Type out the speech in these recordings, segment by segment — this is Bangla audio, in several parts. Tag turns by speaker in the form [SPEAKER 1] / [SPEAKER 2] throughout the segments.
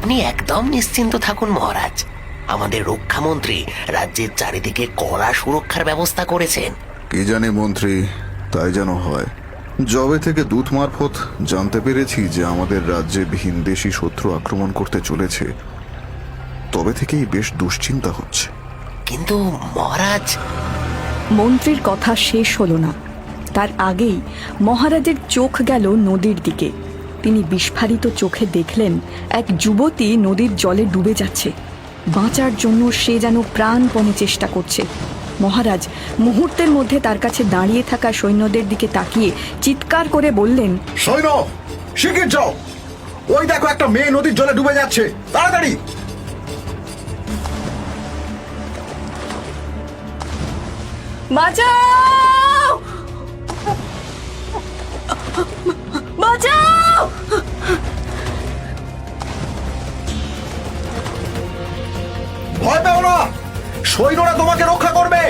[SPEAKER 1] আপনি একদম নিশ্চিন্ত থাকুন মহারাজ, আমাদের রক্ষামন্ত্রী রাজ্যের চারিদিকে কড়া সুরক্ষার ব্যবস্থা করেছেন।
[SPEAKER 2] কি জানি মন্ত্রী, তাই যেন হয়। যবে থেকে দূত মারফত জানতে পেরেছি যে আমাদের রাজ্যে ভিনদেশী শত্রু আক্রমণ করতে চলেছে, তবে থেকেই বেশ দুশ্চিন্তা হচ্ছে।
[SPEAKER 1] কিন্তু মহারাজ।
[SPEAKER 3] মন্ত্রীর কথা শেষ হলো না, তার আগেই মহারাজের চোখ গেল নদীর দিকে। তিনি বিস্ফারিত চোখে দেখলেন এক যুবতী নদীর জলে ডুবে যাচ্ছে। বাঁচার জন্য সে যেন প্রাণপণে চেষ্টা করছে। মহারাজ মুহূর্তের মধ্যে তার কাছে দাঁড়িয়ে থাকা সৈন্যদের দিকে তাকিয়ে চিৎকার করে বললেন,
[SPEAKER 4] সৈন্য, শিগগির যাও, ওই দেখো একটা মেয়ে নদীর জলে ডুবে যাচ্ছে, তাড়াতাড়ি!
[SPEAKER 3] বাঁচাও! বাঁচাও!
[SPEAKER 4] ভয় পেও না, সৈন্যরা তোমাকে রক্ষা করবে।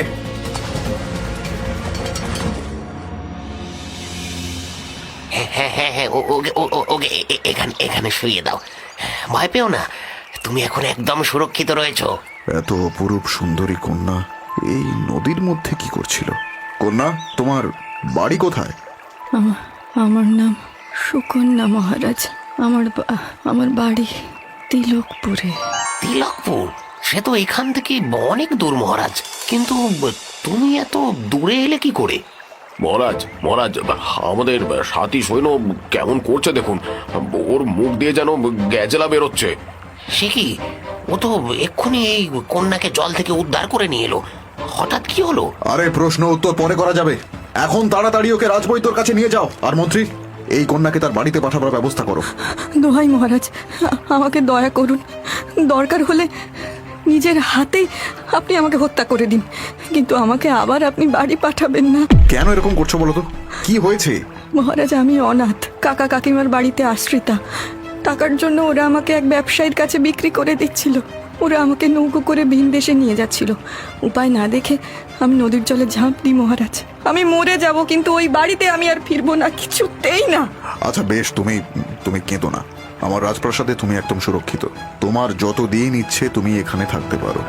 [SPEAKER 1] হ্যাঁ হ্যাঁ হ্যাঁ হ্যাঁ, ওকে এখানে এখানে শুইয়ে দাও। ভয় পেও না, তুমি এখন একদম সুরক্ষিত রয়েছো।
[SPEAKER 2] এত অপরূপ সুন্দরী কন্যা এই নদীর মধ্যে কি করছিল? কন্যা, তোমার বাড়ি কোথায়?
[SPEAKER 3] আমার নাম সুকন্যা মহারাজ। আমার বাড়ি তিলকপুরে।
[SPEAKER 1] তিলকপুর? সে তো এখান থেকে অনেক দূর মহারাজ, কিন্তু তুমি এত দূরে এলে কি করে?
[SPEAKER 5] মহারাজ মহারাজ, আমাদের সাথী সৈন্য কেমন করছে দেখুন, ওর মুখ দিয়ে যেন গ্যাজেলা বেরোচ্ছে।
[SPEAKER 1] সে কি? ও তো এক্ষুনি এই কন্যাকে জল থেকে উদ্ধার করে নিয়ে এলো, হঠাৎ কি হলো?
[SPEAKER 4] আরে প্রশ্ন উত্তর পরে করা যাবে, এখন তাড়াতাড়ি ওকে রাজবৈদ্যর কাছে নিয়ে যাও। আর মন্ত্রী, এই কন্যাকে তার বাড়িতে পাঠাবার ব্যবস্থা করো।
[SPEAKER 3] দোহাই মহারাজ, আমাকে দয়া করুন। দরকার হলে নিজের হাতেই আপনি আমাকে হত্যা করে দিন, কিন্তু আমাকে আবার আপনি বাড়ি পাঠাবেন না।
[SPEAKER 2] কেন এরকম করছো বলো তো? কি হয়েছে?
[SPEAKER 3] মহারাজ, আমি অনাথ, কাকা কাকিমার বাড়িতে আশ্রিতা। টাকার জন্য ওরা আমাকে এক ব্যবসায়ীর কাছে বিক্রি করে দিচ্ছিল। ওরা আমাকে নৌকো করে ভিন দেশে নিয়ে যাচ্ছিল। উপায় না দেখে আমি নদীর জলে ঝাঁপ দিই মহারাজ। আমি মরে যাব, কিন্তু ওই বাড়িতে আমি আর ফিরবো না, কিছুতেই না।
[SPEAKER 2] আচ্ছা বেশ, তুমি কেঁদো না। আমার রাজপ্রাসাদে তুমি একদম সুরক্ষিত। তোমার যত দিন ইচ্ছে তুমি এখানে থাকতে পারো।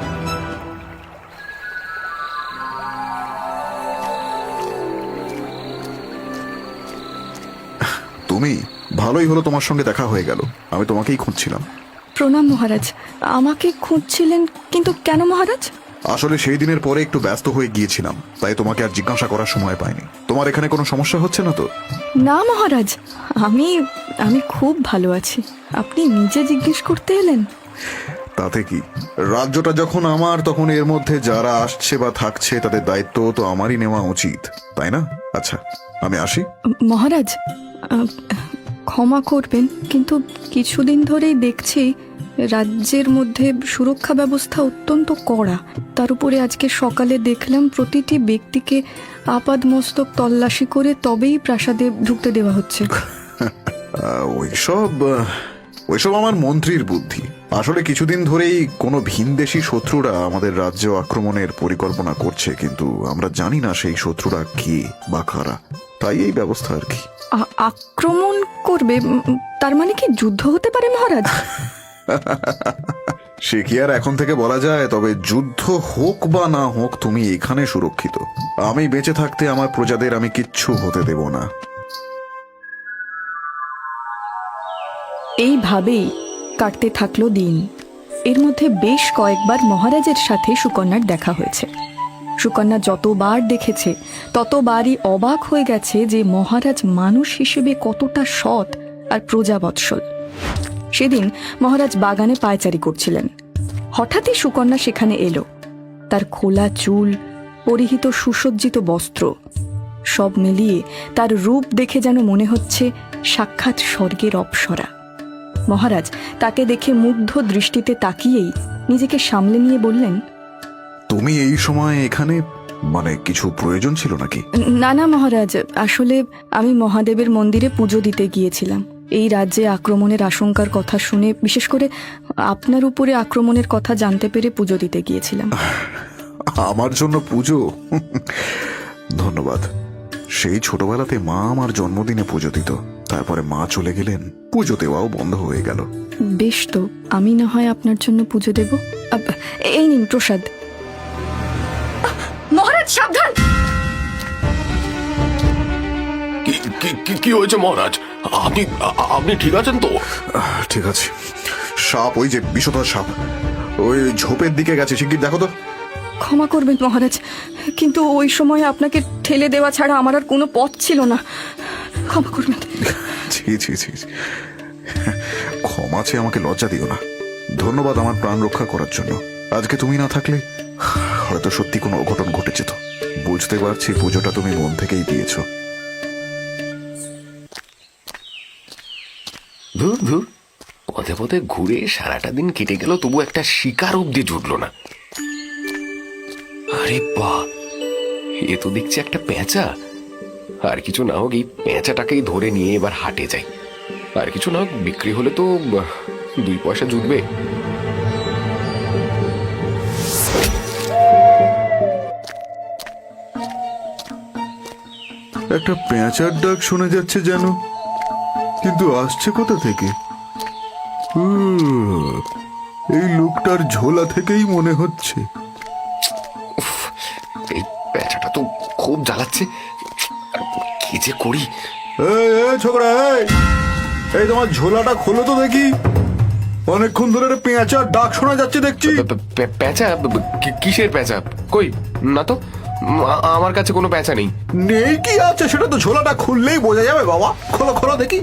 [SPEAKER 2] তুমি ভালোই হলো, তোমার সঙ্গে দেখা হয়ে গেল। আমি তোমাকেই খুঁজছিলাম।
[SPEAKER 3] প্রণাম মহারাজ। আমাকে খুঁজছিলেন? কিন্তু কেন মহারাজ?
[SPEAKER 2] আসলে সেই দিনের পরে একটু ব্যস্ত হয়ে গিয়েছিলাম, তাই তোমাকে আর জিজ্ঞাসা করার সময় পাইনি। তোমার এখানে কোনো সমস্যা হচ্ছে না তো?
[SPEAKER 3] না মহারাজ, আমি খুব ভালো আছি। আপনি নিজে জিজ্ঞেস করতে এলেন?
[SPEAKER 2] তাতে কি, রাজ্যটা যখন আমার, তখন এর মধ্যে যারা আসছে বা থাকছে তাদের দায়িত্ব তো আমারই নেওয়া উচিত, তাই না? আচ্ছা, আমি আসি।
[SPEAKER 3] মহারাজ, ক্ষমা করবেন, কিন্তু কিছুদিন ধরেই দেখছি রাজ্যের মধ্যে সুরক্ষা ব্যবস্থা অত্যন্ত কড়া। তার উপরে আজকে সকালে দেখলাম প্রতিটি ব্যক্তিকে আপাদমস্তক তল্লাশি করে তবেই প্রাসাদে ঢুকতে দেওয়া হচ্ছে।
[SPEAKER 2] ওইসব আমার মন্ত্রীর বুদ্ধি। আসলে কিছুদিন ধরেই কোনো ভিনদেশী শত্রুরা আমাদের রাজ্য আক্রমণের পরিকল্পনা করছে, কিন্তু আমরা জানি না সেই শত্রুরা কে বা কারা, তাই এই ব্যবস্থা আর কি।
[SPEAKER 3] আক্রমণ করবে? তার মানে কি যুদ্ধ হতে পারে মহারাজ?
[SPEAKER 2] সে কি আর এখন থেকে বলা যায়? তবে যুদ্ধ হোক বা না হোক, তুমি এখানে সুরক্ষিত। আমি বেঁচে থাকতে আমার প্রজাদের আমি কিচ্ছু হতে দেব না।
[SPEAKER 3] এইভাবেই কাটতে থাকলো দিন। এর মধ্যে বেশ কয়েকবার মহারাজের সাথে সুকন্যার দেখা হয়েছে। সুকন্যা যতবার দেখেছে ততবারই অবাক হয়ে গেছে যে মহারাজ মানুষ হিসেবে কতটা সৎ আর প্রজাবৎসল। সেদিন মহারাজ বাগানে পায়চারি করছিলেন। হঠাৎই সুকন্যা সেখানে এলো। তার খোলা চুল, পরিহিত সুসজ্জিত বস্ত্র, সব মিলিয়ে তার রূপ দেখে যেন মনে হচ্ছে সাক্ষাৎ স্বর্গের অপ্সরা। মহারাজ তাকে দেখে মুগ্ধ দৃষ্টিতে তাকিয়েই নিজেকে সামলে নিয়ে বললেন,
[SPEAKER 2] তুমি এই সময় এখানে, মানে কিছু প্রয়োজন ছিল নাকি?
[SPEAKER 3] না না মহারাজ, আসলে আমি মহাদেবের মন্দিরে পুজো দিতে গিয়েছিলাম। এই রাজ্যে আক্রমণের আশঙ্কার কথা শুনে, বিশেষ করে আপনার উপরে আক্রমণের কথা জানতে পেরে পুজো দিতে গিয়েছিলাম।
[SPEAKER 2] আমার জন্য পুজো? ধন্যবাদ। সেই ছোটবেলাতে মা আমার জন্মদিনে পুজো দিত, তারপরে মা চলে গেলেন, পুজো দেওয়াও বন্ধ হয়ে গেল।
[SPEAKER 3] বেশ, তো আমি না হয় আপনার জন্য পুজো দেব। এই নিন প্রসাদ। মহারাজ সাবধান!
[SPEAKER 5] কি হয়েছে মহারাজ? আপনি আপনি ঠিক আছেন তো?
[SPEAKER 2] ঠিক আছে। সাপ, ওই যে বিষধর সাপ, ওই ঝোপের দিকে গেছে, শিগগির দেখো তো।
[SPEAKER 3] ক্ষমা করবেন মহারাজ, কিন্তু ওই সময় আপনাকে ঠেলে দেওয়া ছাড়া আমার আর কোনো পথ ছিল না। ক্ষমা করবেন।
[SPEAKER 2] ছি ছি ছি, ক্ষমা চেয়ে আমাকে লজ্জা দিও না। ধন্যবাদ আমার প্রাণ রক্ষা করার জন্য। আজকে তুমি না থাকলে হয়তো সত্যি কোনো অঘটন ঘটে যেত। বুঝতে পারছি পুজোটা তুমি মন থেকেই দিয়েছো।
[SPEAKER 5] ধুর ধুর, পথে পথে ঘুরে সারাটা দিন কেটে গেল, তবু একটা শিকার অব্দি জুটলো না। আরে বাহ, এ তো দেখছি একটা পেঁচা। আর কিছু না হোক, এই পেঁচাটাকেই ধরে নিয়ে এবার হাটে যাই। আর কিছু না হোক, বিক্রি হলে তো 2 পয়সা জুটবে।
[SPEAKER 2] একটা পেঁচার ডাক শোনা যাচ্ছে যেন, কিন্তু আসছে কোথা থেকে? এই লোকটার ঝোলা থেকেই মনে হচ্ছে।
[SPEAKER 5] এই পেঁচাটা তো খুব জ্বালাচ্ছে, কি যে করি।
[SPEAKER 2] এই ছোকরা, এই তোমার ঝোলাটা খোলো তো দেখি। অনেকক্ষণ ধরে পেঁচার ডাক শোনা যাচ্ছে দেখছি।
[SPEAKER 5] পেঁচা? কিসের পেঁচা? কই না তো, আমার কাছে কোনো পেঁচা নেই।
[SPEAKER 2] নেই কি আছে, সেটা তো ঝোলাটা খুললেই বোঝা যাবে বাবা। খোলো খোলো দেখি।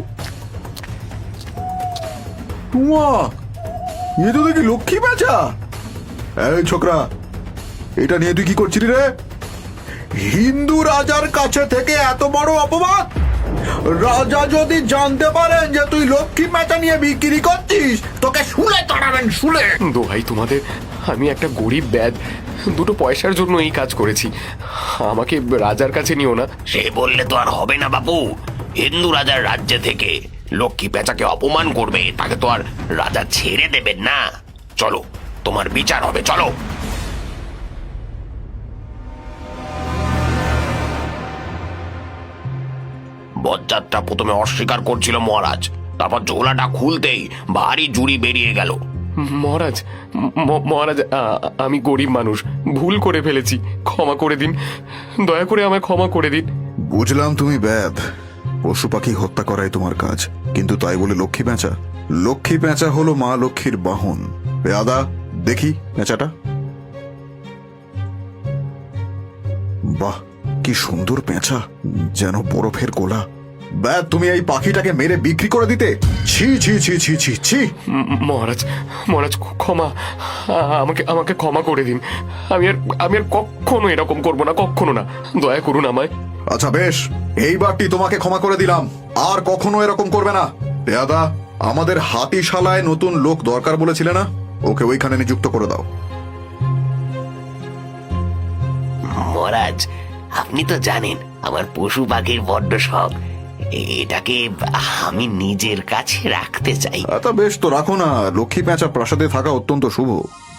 [SPEAKER 2] এ তো দেখি লক্ষ্মী পেঁচা। এই ছোকরা, এটা নিয়ে তুই কি করছিলি রে? হিন্দু রাজার কাছে থেকে এত বড় অপবাদ! রাজা যদি জানতে পারেন যে তুই লক্ষ্মী পেঁচা নিয়ে বিক্রি করছিস, তোকে শুলে তাড়াবেন, শুলে।
[SPEAKER 5] দোহাই তোমাদের, আমি একটা গরিব ব্যাদ, 2 পয়সার জন্য এই কাজ করেছি। আমাকে রাজার কাছে নিও না।
[SPEAKER 1] সে বললে তো আর হবে না বাবু। হিন্দু রাজার রাজ্য থেকে লক্ষ্মী পেঁচাকে অপমান করবে, তাকে তো আর রাজা ছেড়ে দেবেন না। চলো, তোমার বিচার হবে, চলো। বজ্জাতটা প্রথমে অস্বীকার করছিল মহারাজ, তারপর ঝোলাটা খুলতেই ভারী জুড়ি বেরিয়ে গেল।
[SPEAKER 5] মহারাজ, মহারাজ, আমি গরিব মানুষ, ভুল করে ফেলেছি, ক্ষমা করে দিন, দয়া করে আমায় ক্ষমা করে দিন।
[SPEAKER 2] বুঝলাম তুমি ব্যাদ, পশু পাখি হত্যা করাই তোমার কাজ, কিন্তু তাই বলে লক্ষ্মী পেঁচা? লক্ষ্মী পেঁচা হলো মা লক্ষ্মীর বাহন। আদা, দেখি পেঁচাটা। বাহ, কি সুন্দর পেঁচা, যেন বরফের গোলা। ব্যাদ, তুমি এই পাখিটাকে মেরে বিক্রি করে দিতে? ছি ছি ছি ছি ছি ছি।
[SPEAKER 5] মহারাজ, মহারাজ, ক্ষমা, আমাকে ক্ষমা করে দিন। আমি আর কখনো এরকম করবো না, কখনো না, দয়া করুন আমায়।
[SPEAKER 2] আচ্ছা বেশ, এইবারটি তোমাকে ক্ষমা করে দিলাম, আর কখনো এরকম করবে না। পেয়াদা, আমাদের হাতিশালায় নতুন লোক দরকার বলেছিলে না? ওকে ওইখানে নিযুক্ত করে দাও।
[SPEAKER 1] মহারাজ, আপনি তো জানেন আমার পশু পাখির বড্ড শখ। এটাকে আমি নিজের কাছে রাখতে চাই।
[SPEAKER 2] আচ্ছা বেশ, তো রাখো না। লক্ষ্মী পেঁচা প্রাসাদে থাকা অত্যন্ত শুভ।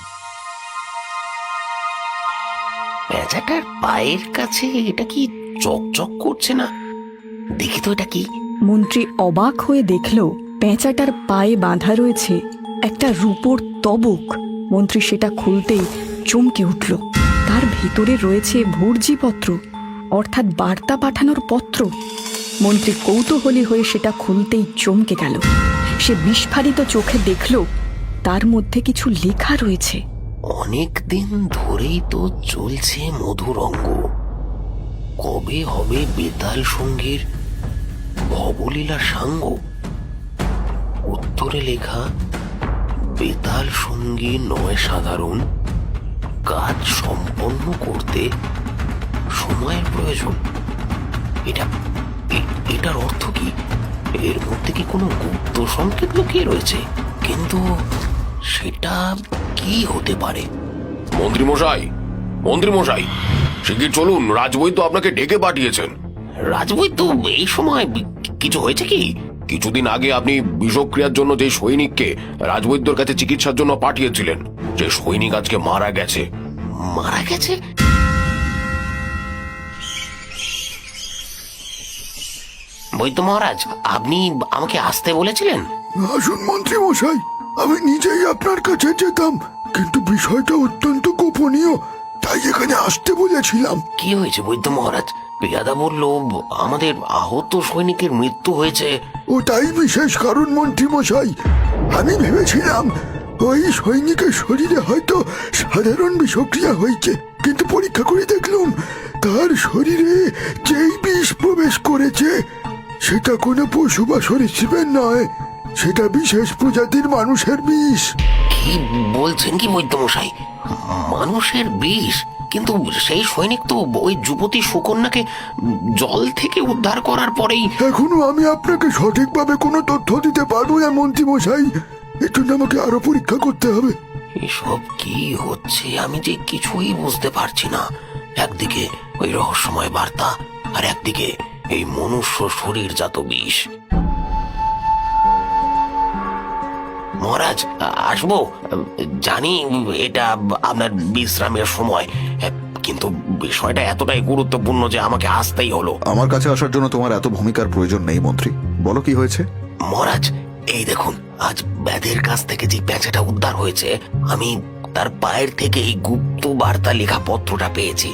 [SPEAKER 1] পেঁচাটার পায়ের কাছে এটা কি চকচক করছে না? দেখি তো এটা কি।
[SPEAKER 3] মন্ত্রী অবাক হয়ে দেখল পেঁচাটার পায়ে বাঁধা রয়েছে একটা রূপোর তবক। মন্ত্রী সেটা খুলতেই চমকে উঠল। তার ভিতরে রয়েছে ভর্জিপত্র, অর্থাৎ বার্তা পাঠানোর পত্র। মন্ত্রী কৌতূহলী হয়ে সেটা খুলতেই চমকে গেল। সে বিস্ফারিত চোখে দেখল তার মধ্যে কিছু লেখা রয়েছে।
[SPEAKER 1] অনেক দিন ধরেই তো চলছে মধুরঙ্গ, কবে হবে বেতাল সঙ্গীর ভবলীলা সাঙ্গ? উত্তরে লেখা, বেতাল সঙ্গী নয় সাধারণ, কাজ সম্পন্ন করতে সময়ের প্রয়োজন। এটার অর্থ কি? এর মধ্যে কি কোনো গুপ্ত সংকেত লুকিয়ে রয়েছে? কিন্তু সেটা কি হতে পারে?
[SPEAKER 5] মন্ত্রী মশাই, মন্ত্রী মশাই, শিগগির চলুন, রাজবৈদ্য আপনাকে ডেকে পাঠিয়েছেন।
[SPEAKER 1] রাজবৈদ্য এই সময়? কিছু হয়েছে কি?
[SPEAKER 5] কিছুদিন আগে আপনি বিষক্রিয়ার জন্য যে সৈনিককে রাজবৈদ্যর কাছে চিকিৎসার জন্য পাঠিয়েছিলেন, যে সৈনিক আজকে মারা গেছে।
[SPEAKER 1] মারা গেছে? বৈদ্য মহারাজ, আপনি আমাকে আসতে বলেছিলেন?
[SPEAKER 6] আসুন মন্ত্রী মশাই, আমি নিজেই আপনার কাছে যেতাম, কিন্তু বিষয়টা অত্যন্ত গোপনীয়, তাই এখানে আসতে বলেছিলাম।
[SPEAKER 1] কি হয়েছে বৈদ্য মহারাজ? পেয়াদা বলল আমাদের আহত সৈনিকের মৃত্যু হয়েছে।
[SPEAKER 6] ওটাই বিশেষ কারণ মন্ত্রী মশাই। আমি ভেবেছিলাম ওই সৈনিকের শরীরে হয়তো সাধারণ বিষক্রিয়া হয়েছে, কিন্তু পরীক্ষা করে দেখলাম তার শরীরে যেই বিষ প্রবেশ করেছে সেটা কোনো পশু বা সরীসৃপের নয়, সেটা বিশেষ প্রজাতির মানুষের বিষ।
[SPEAKER 1] কি বলছেন কি বৈদ্য মশাই? মানুষের বিষ? কিন্তু সেই সৈনিক তো ওই যুবতী সুকন্যাকে জল থেকে উদ্ধার করার পরেই।
[SPEAKER 6] এখনো আমি আপনাকে সঠিকভাবে কোনো তথ্য দিতে পারবো না মন্ত্রী মশাই, এর জন্য আমাকে আরো পরীক্ষা করতে হবে।
[SPEAKER 1] এসব কি হচ্ছে আমি যে কিছুই বুঝতে পারছি না। একদিকে ওই রহস্যময় বার্তা, আর একদিকে এই মনুষ্য শরীরজাত বিষ। মহারাজ, আসবো। জানি এটা আপনার বিশ্রামের সময়, কিন্তু বিষয়টা এতটাই গুরুত্বপূর্ণ যে আমাকে আসতেই হলো।
[SPEAKER 2] আমার কাছে আসার জন্য তোমার এত ভূমিকার প্রয়োজন নেই মন্ত্রী, বলো কি হয়েছে।
[SPEAKER 1] মহারাজ, এই দেখুন, আজ ব্যাধের কাছ থেকে যে পেঁচাটা উদ্ধার হয়েছে, আমি তার পায়ের থেকে এই গুপ্ত বার্তা লেখা পত্রটা পেয়েছি।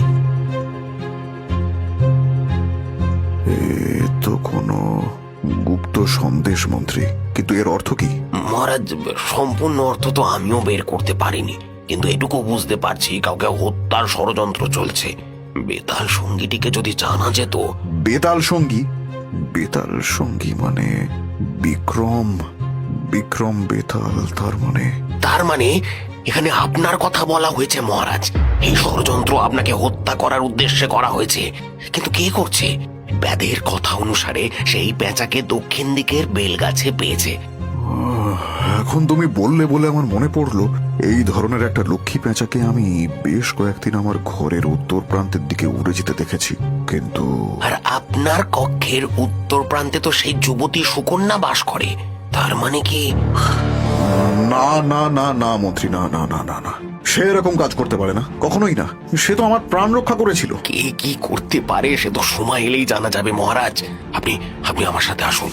[SPEAKER 2] এ তো কোনো গুপ্ত সন্দেশ মন্ত্রী, কিন্তু এর অর্থ কি?
[SPEAKER 1] মহারাজ, সম্পূর্ণ অর্থ তো আমিও বের করতে পারিনি, কিন্তু এটুকু বুঝতে পারছি কাউকে হত্যার ষড়যন্ত্র চলছে। বেতাল সঙ্গীটিকে যদি জানা যেত।
[SPEAKER 2] বেতাল সঙ্গী? বেতাল সঙ্গী মানে বিক্রম? বিক্রম বেতাল, তার মানে
[SPEAKER 1] এখানে আপনার কথা বলা হয়েছে মহারাজ। এই ষড়যন্ত্র আপনাকে হত্যা করার উদ্দেশ্যে করা হয়েছে, কিন্তু কে করছে? ব্যাধের কথা অনুসারে সেই পেঁচাকে দক্ষিণ দিকের বেলগাছে পেয়েছে।
[SPEAKER 2] এখন তুমি বললে বলে আমার মনে পড়লো, এই ধরনের একটা লক্ষ্মী পেঁচাকে আমি বেশ কয়েকদিন আমার ঘরের উত্তর প্রান্তের দিকে উড়ে যেতে দেখেছি, কিন্তু
[SPEAKER 1] আর আপনার কক্ষের উত্তর প্রান্তে তো সেই যুবতী সুকন্যা বাস করে। তার মানে কি?
[SPEAKER 2] না না না না মন্ত্রী, না না না না না, সে এরকম কাজ করতে পারে না, কখনোই না। সে তো আমার প্রাণ রক্ষা করেছিল।
[SPEAKER 1] কে কি করতে পারে সে তো সময় এলেই জানা যাবে মহারাজ। আপনি আপনি আমার সাথে আসুন।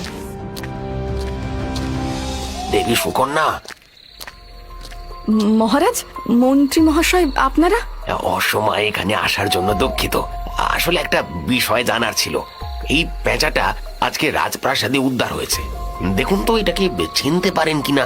[SPEAKER 1] দেবী সুকন্যা।
[SPEAKER 3] মহারাজ, মন্ত্রী মহাশয় আপনারা?
[SPEAKER 1] অসময়ে এখানে আসার জন্য দুঃখিত। আসলে একটা বিষয় জানার ছিল। এই পেঁচাটা আজকে রাজপ্রাসাদে উদ্ধার হয়েছে। দেখুন তো এটাকে চিনতে পারেন কিনা।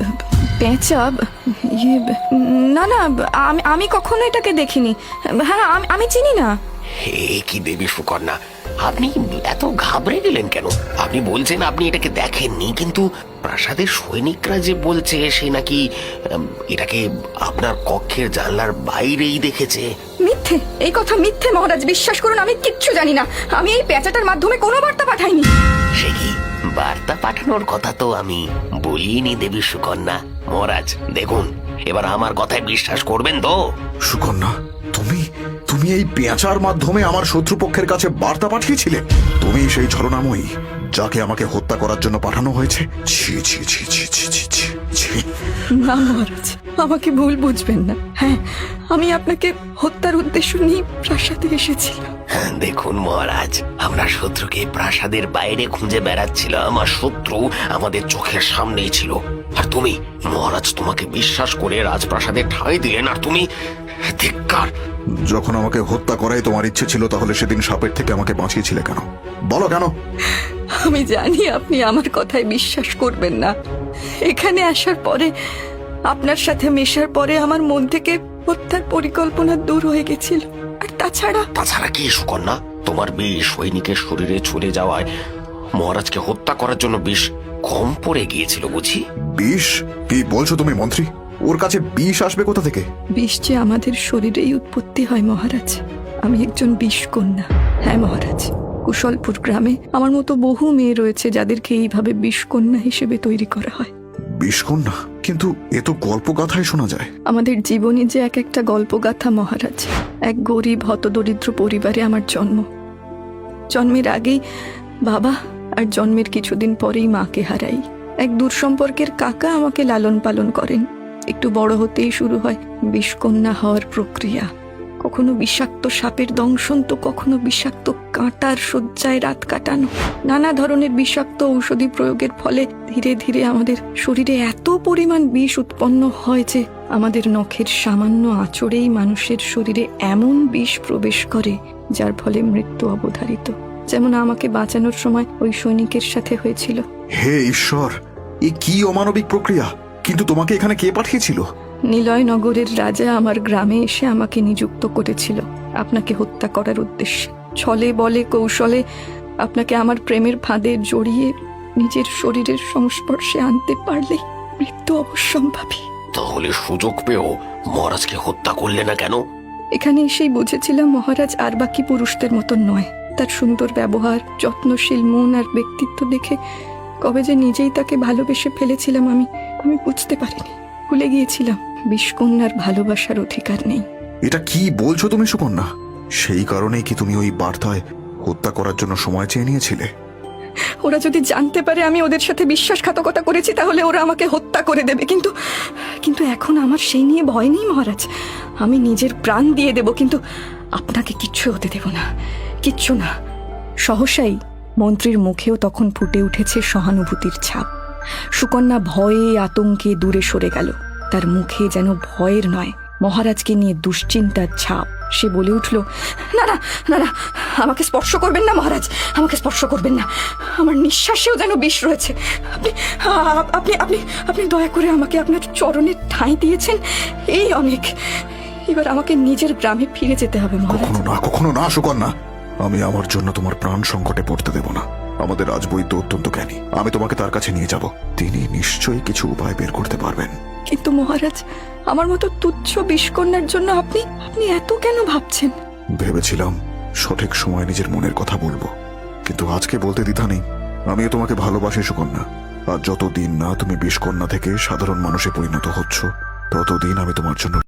[SPEAKER 3] পেঁচা? ইয়ে, না না, আমি কখনো এটাকে দেখিনি। হ্যাঁ, আমি চিনি না।
[SPEAKER 1] হে কি দেবী সুকন্যা, আপনি এত ঘাবড়ে গেলেন কেন? আপনি বলছেন আপনি এটাকে দেখেননি, কিন্তু প্রাসাদের সৈনিকরা যে বলছে সে নাকি এটাকে আপনার কক্ষের জানলার বাইরেই দেখেছে।
[SPEAKER 3] মিথ্যে, এই কথা মিথ্যে মহারাজ, বিশ্বাস করুন, আমি কিচ্ছু জানি না। আমি এই পেঁচাটার মাধ্যমে কোনো বার্তা পাঠাইনি।
[SPEAKER 1] সে কি? বার্তা পাঠানোর কথা তো আমি বলিনি দেবী সুকন্যা। মহারাজ দেখুন, এবার আমার কথায় বিশ্বাস করবেন তো?
[SPEAKER 2] সুকন্যা, তুমি তুমি এই পেঁচার মাধ্যমে আমার শত্রুপক্ষের কাছে বার্তা পাঠিয়েছিলে? তুমি সেই ছলনাময়ী যাকে আমাকে হত্যা করার জন্য পাঠানো হয়েছে? ছি ছি ছি ছি ছি ছি ছি ছি।
[SPEAKER 3] না মহারাজ, আমাকে ভুল বুঝবেন না। হ্যাঁ, আমি আপনাকে হত্যার উদ্দেশ্য নিয়ে প্রাসাদে এসেছিলাম।
[SPEAKER 1] দেখুন মহারাজ, আমরা শত্রুকে প্রাসাদের বাইরে খুঁজে বেড়াচ্ছিল। আমার শত্রু আমাদের চোখের সামনেই ছিল, আর তুমি মহারাজ, তোমাকে বিশ্বাস করে রাজপ্রাসাদে ঠাঁই দিলেন, আর তুমি ধিক্কার।
[SPEAKER 2] যখন আমাকে হত্যা করাই তোমার ইচ্ছে ছিল, তাহলে সেদিন সাপের থেকে আমাকে বাঁচিয়েছিলে কেন? বলো কেন?
[SPEAKER 3] আমি জানি আপনি আমার কথায় বিশ্বাস করবেন না। এখানে আসার পরে, আপনার সাথে মেশার পরে আমার মন থেকে হত্যার পরিকল্পনা দূর হয়ে গেছিল। আর তাছাড়া
[SPEAKER 1] কি সুকন্যা? তোমার বিষ সৈনিকের শরীরে চলে যাওয়ায় মহারাজকে হত্যা করার জন্য বিষ কম পড়ে গিয়েছিল বুঝি?
[SPEAKER 2] বিষ? কি বলছো তুমি মন্ত্রী? ওর কাছে বিষ আসবে কোথা থেকে?
[SPEAKER 3] বিষ যে আমাদের শরীরেই উৎপত্তি হয় মহারাজ। আমি একজন বিষ কন্যা। হ্যাঁ মহারাজ, কুশলপুর গ্রামে আমার মতো বহু মেয়ে রয়েছে যাদেরকে এইভাবে বিষ কন্যা হিসেবে তৈরি করা হয়।
[SPEAKER 2] বিষ কন্যা? কিন্তু এ তো গল্পগাথায় শোনা যায়।
[SPEAKER 3] আমাদের জীবনে যে এক একটা গল্পগাথা মহারাজ। এক গরিব হতদরিদ্র পরিবারে আমার জন্ম। জন্মের আগেই বাবা, আর জন্মের কিছুদিন পরেই মাকে হারাই। এক দূর সম্পর্কের কাকা আমাকে লালন পালন করেন। একটু বড় হতেই শুরু হয় বিষকন্যা হওয়ার প্রক্রিয়া। কখনো বিষাক্ত সাপের দংশন তো কখনো বিষাক্ত কাঁটার শয্যায় রাত কাটানো। নানা ধরনের বিষাক্ত ঔষধি প্রয়োগের ফলে ধীরে ধীরে আমাদের শরীরে এত পরিমাণ বিষ উৎপন্ন হয় যে আমাদের নখের সামান্য আঁচড়েই মানুষের শরীরে এমন বিষ প্রবেশ করে যার ফলে মৃত্যু অবধারিত। যেমন আমাকে বাঁচানোর সময় ওই সৈনিকের সাথে হয়েছিল।
[SPEAKER 2] হে ঈশ্বর, এ কি অমানবিক প্রক্রিয়া! কিন্তু তোমাকে এখানে কে পাঠিয়েছিল?
[SPEAKER 3] নিলয়নগরের রাজা আমার গ্রামে এসে আমাকে নিযুক্ত করেছিল আপনাকে হত্যা করার উদ্দেশ্যে। ছলে বলে কৌশলে আপনাকে আমার প্রেমের ফাঁদে জড়িয়ে নিজের শরীরের সংস্পর্শে আনতে পারলেই মৃত্যু অবশ্যম্ভাবী।
[SPEAKER 1] তাহলে সুযোগ পেয়েও মহারাজকে হত্যা করলে না কেন?
[SPEAKER 3] এখানে এসেই বুঝেছিলাম মহারাজ আর বাকি পুরুষদের মতন নয়। তার সুন্দর ব্যবহার, যত্নশীল মন আর ব্যক্তিত্ব দেখে কবে যে নিজেই তাকে ভালোবেসে ফেলেছিলাম আমি বুঝতে পারিনি। ভুলে গিয়েছিলাম বিষকন্যার ভালোবাসার অধিকার নেই।
[SPEAKER 2] এটা কি বলছো তুমি সুকন্যা? সেই কারণেই কি তুমি ওই বার্তায় হত্যা করার জন্য সময় চেয়ে নিয়েছিলে?
[SPEAKER 3] ওরা যদি জানতে পারে আমি ওদের সাথে বিশ্বাসঘাতকতা করেছি তাহলে ওরা আমাকে হত্যা করে দেবে। কিন্তু এখন আমার সেই নিয়ে ভয় নেই মহারাজ। আমি নিজের প্রাণ দিয়ে দেব, কিন্তু আপনাকে কিচ্ছু হতে দেব না, কিচ্ছু না। সহসাই মন্ত্রীর মুখেও তখন ফুটে উঠেছে সহানুভূতির ছাপ। সুকন্যা ভয়ে আতঙ্কে দূরে সরে গেল। তার মুখে যেন ভয়ের নয়, মহারাজকে নিয়ে দুশ্চিন্তার ছাপ। সে বলে উঠল, না না না না, আমাকে স্পর্শ করবেন না মহারাজ, আমাকে স্পর্শ করবেন না। আমার নিঃশ্বাসেও যেন বিষ রয়েছে। আপনি আপনি আপনি আপনি দয়া করে আমাকে আপনার চরণে ঠাঁই দিয়েছেন, এই অনেক। এবার আমাকে নিজের গ্রামে ফিরে যেতে হবে মহারাজ।
[SPEAKER 2] কখনো না সুকন্যা, আমি আমার জন্য তোমার প্রাণ সংকটে পড়তে দেব না। আমাদের রাজবৈদ্য অত্যন্ত জ্ঞানী, আমি তোমাকে তার কাছে নিয়ে যাব। তিনি নিশ্চয়ই কিছু উপায় বের করতে পারবেন।
[SPEAKER 3] কিন্তু মহারাজ, আমার মতো তুচ্ছ বিষকন্যার জন্য আপনি এত কেন ভাবছেন?
[SPEAKER 2] ভেবেছিলাম সঠিক সময় নিজের মনের কথা বলবো, কিন্তু আজকে বলতে দ্বিধা নেই। আমিও তোমাকে ভালোবাসি সুকন্যা। আর যতদিন না তুমি বিষকন্যা থেকে সাধারণ মানুষে পরিণত হচ্ছ, ততদিন আমি তোমার জন্য